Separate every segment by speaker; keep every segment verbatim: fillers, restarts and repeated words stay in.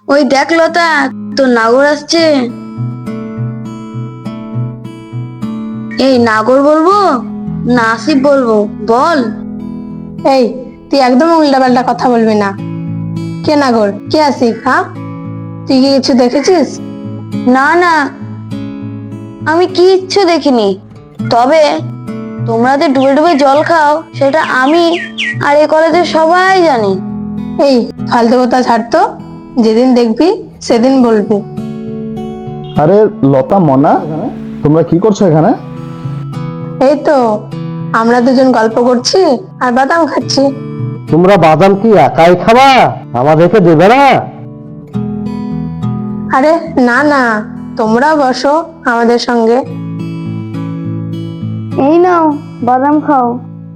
Speaker 1: ওই দেখ লতা, তোর নাগর আসছে। এই নাগর বলবো না আসিফ বলবো বল?
Speaker 2: এই, তুই একদম উল্টাপাল্টা কথা বলবি না। কে নাগর, কে আসিফ? হ্যাঁ, তুই কি কিছু দেখেছিস?
Speaker 1: না না, আমি কিচ্ছু দেখিনি। তবে তোমরা যে ডুবে ডুবে জল খাও সেটা আমি আর এই কলেজের সবাই জানি।
Speaker 2: এই ফালতু কথা ছাড় তো, যেদিন দেখবি সেদিন বলবি।
Speaker 3: আরে লতা, মনা, তোমরা কি করছো এখানে?
Speaker 2: এই তো আমরা দুজন গল্প করছি আর বাদাম খাচ্ছি।
Speaker 3: তোমরা বাদাম কি একাই খাবা? আমাদেরকে দেবে না?
Speaker 2: আরে না না, তোমরা বসো আমাদের সঙ্গে।
Speaker 1: এই নাও বাদাম খাও।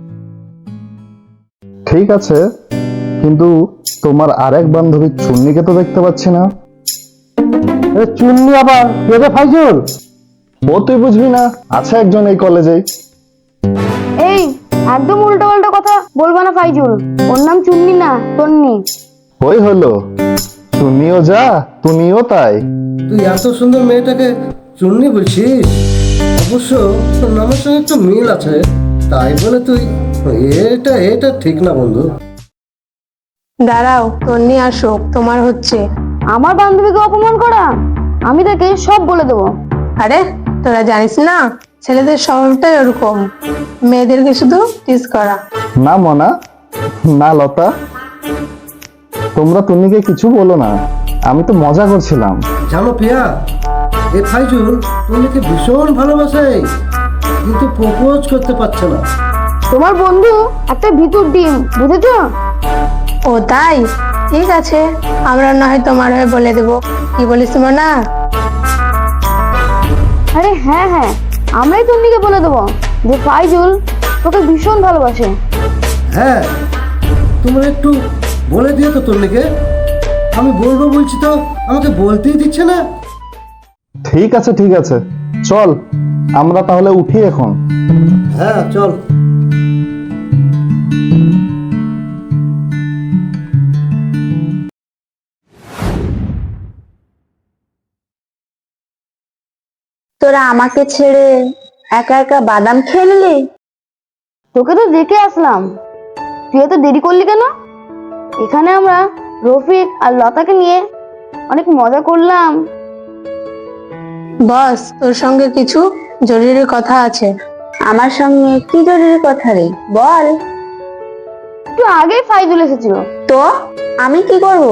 Speaker 3: ঠিক আছে, কিন্তু তোমার আরেক বান্ধবী চুন্নিকে তো দেখতে পাচ্ছি না। চুন্নি আবার কে রে ফাইজুল? ও তুই বুঝবি না, আছে একজন এই কলেজেই।
Speaker 1: এই একদম উল্টো পাল্টা কথা বলবা না ফাইজুল, ওর নাম চুন্নি না তন্নি।
Speaker 3: ওই হলো, চুন্নিও যা তুমিও তাই।
Speaker 4: তুই এত সুন্দর মেয়েটাকে চুন্নি বলছিস? অবশ্য তোর নামের সঙ্গে একটু মিল আছে, তাই বলে তুই এটা এটা ঠিক না বন্ধু।
Speaker 2: দাঁড়াও, তন্নি আসুক, তোমার হচ্ছে।
Speaker 1: আমার বান্ধবীকে অপমান করা, আমি তাকে সব বলে দেবো।
Speaker 2: আরে তোরা জানিস না, ছেলেদের স্বভাবটাই ওরকম, মেয়েদেরকে শুধু টিজ করা।
Speaker 3: না মনা, না লতা, তোমরা তুমিকে কিছু বলো না, আমি তো মজা করছিলাম।
Speaker 4: জানো পিয়া, এ ফাইজুল তুমিকে ভীষণ ভালোবাসে, কিন্তু প্রপোজ করতে পারছে না।
Speaker 1: তোমার বন্ধু একটা ভিতর ডিম, বুঝেছো?
Speaker 2: ও তাই, ঠিক আছে, আমরা না হয় তোমার হয়ে বলে দেবো। কি বলিস না?
Speaker 1: আরে হ্যাঁ হ্যাঁ, আমরাই তন্নিকে বলে দেবো যে ফাইজুল তোকে ভীষণ ভালোবাসে।
Speaker 4: হ্যাঁ, তোমরা একটু বলে দিও তো তন্নিকে। আমি বলবো বলছি তো আমাকে বলতেই দিচ্ছে না।
Speaker 3: ঠিক আছে ঠিক আছে, চল আমরা তাহলে উঠি এখন।
Speaker 4: হ্যাঁ চল।
Speaker 1: তোরা আমাকে ছেড়ে একা একা বাদাম খেয়ে নিলি? তোকে তো দেখে আসলাম, তুই এত দেরি করলি কেন? এখানে আমরা রফিক আর লতাকে নিয়ে অনেক মজা করলাম।
Speaker 2: বস, তোর সঙ্গে কিছু জরুরি কথা আছে।
Speaker 1: আমার সঙ্গে কি জরুরি কথা রে, বল। একটু আগেই ফাইজুল এসেছিল, তো আমি কি করব?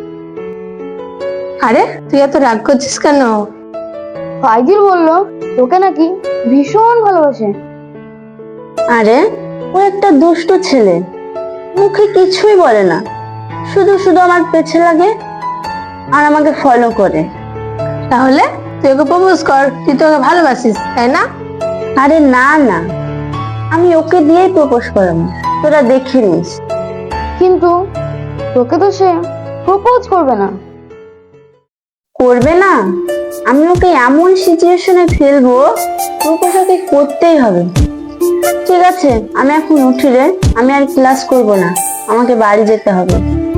Speaker 2: আরে তুই এত রাগ করছিস কেন?
Speaker 1: ফাইজুল বলল তোকে নাকি ভীষণ ভালোবাসে। আরে ও একটা দুষ্ট ছেলে, মুখে কিছুই বলে না, শুধু শুধু আমার পেছে লাগে আর আমাকে ফলো করে।
Speaker 2: তাহলে তুই ওকে প্রপোজ কর, তুই তো ওকে ভালোবাসিস, তাই না?
Speaker 1: আরে না না, আমি ওকে দিয়েই প্রপোজ করাবো, তোরা দেখে নিস। কিন্তু তোকে তো সে প্রপোজ করবে না। করবে না? আমি ওকে এমন সিচুয়েশনে ফেলবো, প্রপোজ ওকে করতেই হবে। ঠিক আছে, আমি এখন উঠি রে, আমি আর ক্লাস করব না, আমাকে বাড়ি যেতে হবে।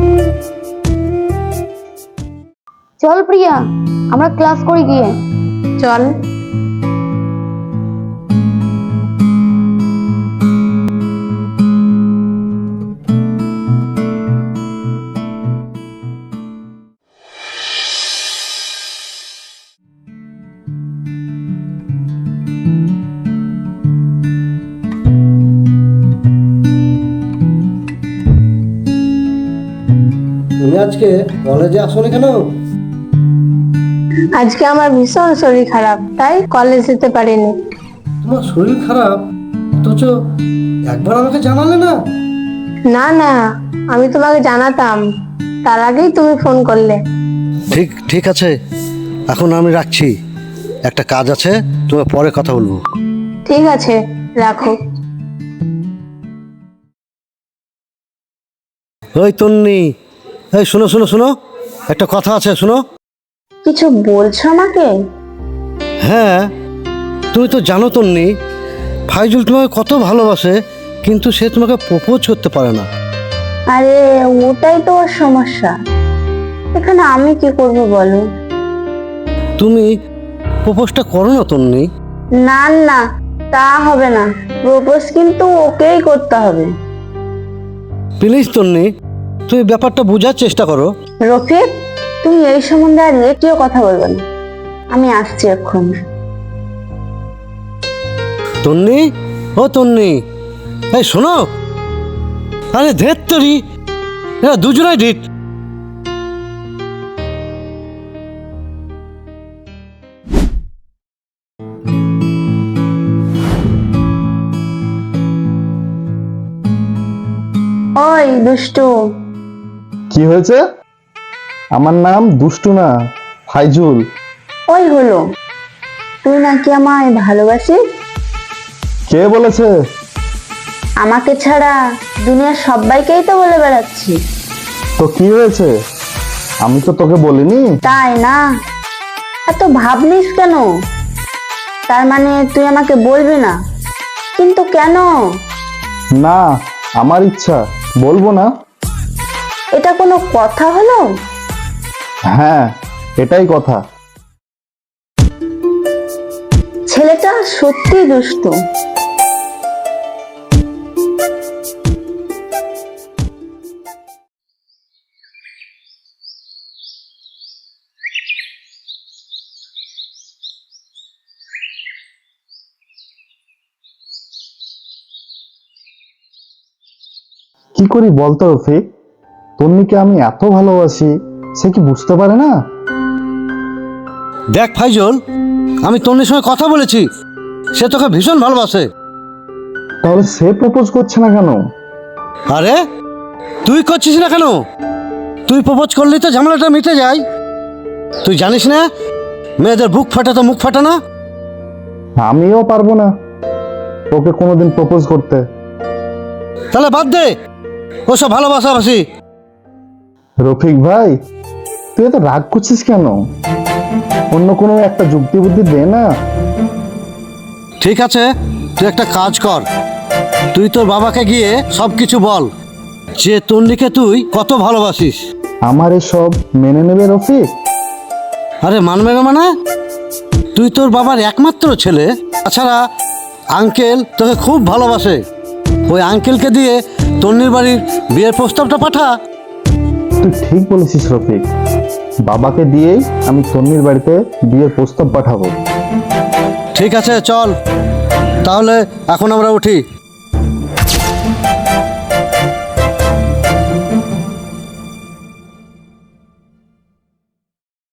Speaker 1: চল প্রিয়া, আমরা ক্লাস করি গিয়ে।
Speaker 2: চল।
Speaker 4: তুমি আজকে কলেজে আসোনি কেন?
Speaker 2: আজকে আমার ভীষণ শরীর খারাপ, তাই কলেজ যেতে পারিনি।
Speaker 4: তোমার শরীর খারাপ, অথচ একবার আমাকে জানালে না।
Speaker 2: না না, আমি তোমাকে জানাতাম, তার আগেই তুমি ফোন করলে।
Speaker 5: ঠিক ঠিক আছে, এখন আমি রাখছি, একটা কাজ আছে, তোমার পরে কথা বলবো।
Speaker 2: ঠিক আছে, রাখো।
Speaker 5: ওই তন্নি, এই শোনো শোনো শোনো, একটা কথা আছে, শোনো।
Speaker 1: কিছু বলছো আমাকে?
Speaker 5: হ্যাঁ, তুমি তো জানো তন্নি, ফাইজুল তোমাকে কত ভালোবাসে, কিন্তু সে তোমাকে প্রপোজ করতে পারে না।
Speaker 1: আরে ওটাই তো ওর সমস্যা, এখানে আমি কি করব বলো?
Speaker 5: তুমি প্রপোজটা করো না তন্নি।
Speaker 1: না না, তা হবে না। প্রপোজ কিন্তু ওকেই করতে হবে।
Speaker 5: প্লিজ তন্নি, তুমি ব্যাপারটা বোঝার চেষ্টা করো।
Speaker 1: রফিক, তুমি এই সম্বন্ধে আর একটিও কথা বলবে না। আমি আসছি এখন।
Speaker 5: তন্নি, ও তন্নি, এই শোনো। আরে ধেত তরি, এরা দুজনাই ডিট।
Speaker 1: ওই দুষ্টু,
Speaker 3: কি হয়েছে? আমার নাম দুষ্টু না, ফাইজুল।
Speaker 1: ওই হলো, তুই নাকি আমায় ভালোবাসিস?
Speaker 3: কে বলেছে?
Speaker 1: আমাকে ছাড়া দুনিয়ার সবাইকেই তো বলে বেড়াচ্ছি।
Speaker 3: তো কি হয়েছে? আমি তো তোকে বলিনি।
Speaker 1: তাই না? এত ভাবনিস কেন? তার মানে তুই আমাকে বলবি না? কিন্তু কেন?
Speaker 3: না, আমার ইচ্ছা, বলবো না।
Speaker 1: এটা কোনো কথা হলো?
Speaker 3: হ্যাঁ, এটাই কথা।
Speaker 1: ছেলেটা সত্যি দুষ্টু।
Speaker 3: কি করি বলতো রফিক? তন্নিকে আমি এত ভালোবাসি, সে কি বুঝতে পারে না?
Speaker 5: দেখ ফাইজল, আমি তন্নির সঙ্গে কথা বলেছি, সে তোকে ভীষণ ভালোবাসে।
Speaker 3: তাহলে সে প্রপোজ করছে না কেন?
Speaker 5: আরে তুই করছিস না কেন? তুই প্রপোজ করলি তো ঝামেলাটা মিটে যায়। তুই জানিস না মেয়েদের বুক ফাটা তো মুখ ফাটা না?
Speaker 3: আমিও পারবো না ওকে কোনোদিন প্রপোজ করতে।
Speaker 5: তাহলে বাদ দে ওসব ভালোবাসাবাসি।
Speaker 3: রফিক ভাই, তুই এত রাগ করছিস কেন? অন্য কোনো একটা যুক্তি বুদ্ধি দে না।
Speaker 5: ঠিক আছে, তুই একটা কাজ কর, তুই তোর বাবাকে গিয়ে সব কিছু বল যে তন্নিকে তুই কত ভালোবাসিস।
Speaker 3: আমার এসব মেনে নেবে রফিক?
Speaker 5: আরে মানবে না মানে? তুই তোর বাবার একমাত্র ছেলে, তাছাড়া আঙ্কেল তোকে খুব ভালোবাসে। ওই আঙ্কেলকে দিয়ে তন্নির বাড়ির বিয়ের প্রস্তাবটা পাঠা।
Speaker 3: তুই ঠিক বলেছিস রফিক, বাবাকে দিয়েই আমি তন্নির বাড়িতে বিয়ের প্রস্তাব পাঠাবো।
Speaker 5: ঠিক আছে, চল তাহলে এখন আমরা উঠি।